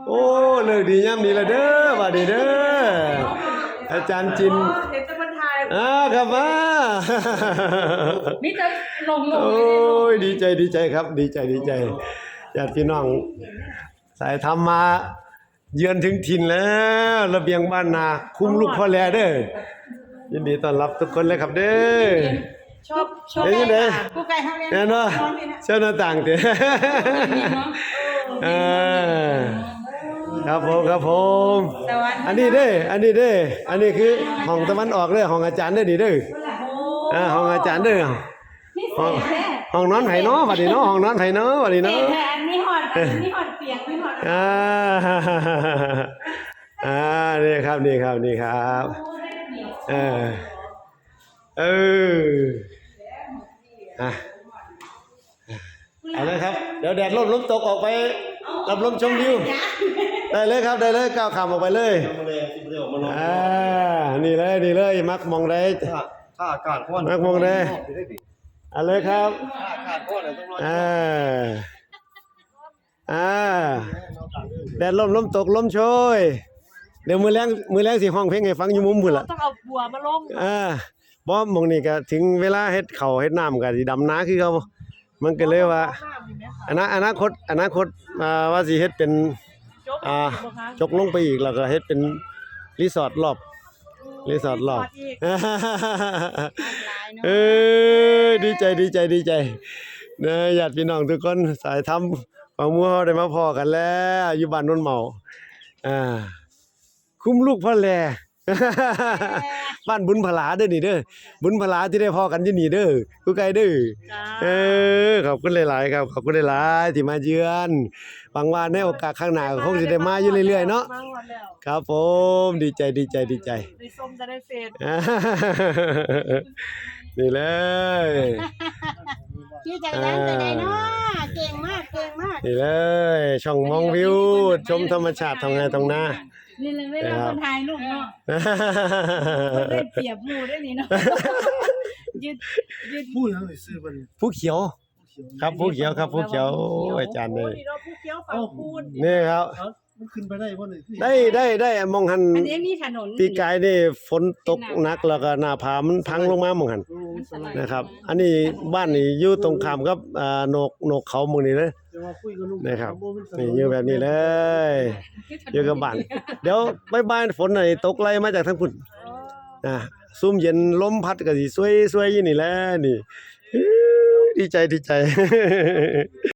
โอ้เลิกดีย่ำนี้ละเด้อว่าดีเด้ออาจารย์จินเห็นจะมาถ่ายครับมามิจะลงโอ้ยดีใจครับดีใจญาติพี่น้องสายธรรมมาเยือนถึงถิ่นแล้วระเบียงบ้านนาคุ้มลูกพ่อแลเด้อยินดีต้อนรับทุกคนเลยครับเด้อชอบยังไงผู้ไก่ห้องเรียนแน่นอนเจ้าหน้าต่างเด้อครับผมอันนี้เด้ออันนี้คือห้องตะวันออกเด้อห้องอาจารย์เด้อนี่เด้อห้องอาจารย์เด้อห้องนอนไผเนาะบัดนี้เนาะห้องนอนไผเนาะบัดนี้เนาะนี่หอดเปียกนี่หอดนี่ครับเอาเลยครับเดี๋ยวแดดลมตกออกไปรับลมชมวิวได้เลยครับได้เลยก้าวขามออกไปเลยนี่เลยมักมองได้ถ้าอากาศร้อนมักมองได้เอาเลยครับอากาศร้อนต้องรอแดดลมตกลมโชยเดี๋ยวมือแรงสิห้องเพลงให้ฟังอยู่มุมพุ่นล่ะต้องเอาบัวมาลงบ่มองนี่ก็ถึงเวลาเฮ็ดข้าวเฮ็ดน้ำก็สิดำนาคือเขามันก็เลยว่าอนาคตว่าสิเฮ็ดเป็นจกลงไปอีกแล้วก็เฮ็ดเป็นรีสอร์ทรอบดีใจเด้อญาติพี่น้องทุกคนสายธรรมของหมู่เฮาได้มาพ้อกันแล้วอยู่บ้านโนนเหมาคุ้มลูกพ่อแลบ้านบุญพลาเด้อนี่เด้อบุญพลาที่ได้พ้อกันอยู่นี่เด้อกูไกลเด้อขอบคุณหลายๆครับขอบคุณหลายๆที่มาเยือนหวังว่าในโอกาสข้างหน้าคงสิได้มาอยู่เรื่อยๆเนาะครับผมดีใจได้ส้มจะได้เฟรนี่เลยพี่ใจดังใจใดเนาะเก่งมากนี่เลยช่องมองวิวชมธรรมชาติทางไงตรงหน้านี่เลยเวลาคนไทยลูกเนาะได้เปรียบหมู่ได้นี่เนาะยืดพูดแล้วซื้อมันผู้เขียวครับผู้เขียวอาจารย์เลยผู้เขียวฝั่งพูนนี่ครับมันขึ้นไปได้บ่ได้มองหันอันนี้มีถนนปีกายนี่ฝนตกหนักแล้วก็หน้าผามันพังลงมามองหันนะครับอันนี้บ้านนี่อยู่ตรงข้ามกับโหนกเขาหมู่นี้เลยนะครับนี่อยู่แบบนี้เลยอยู่กับบ้านเดี๋ยวบ่ายๆฝนน่ะตกไล่มาจากทางพุ่นซุ่มเย็นลมพัดก็สิสวยๆอยู่นี่แหละนี่ดีใจ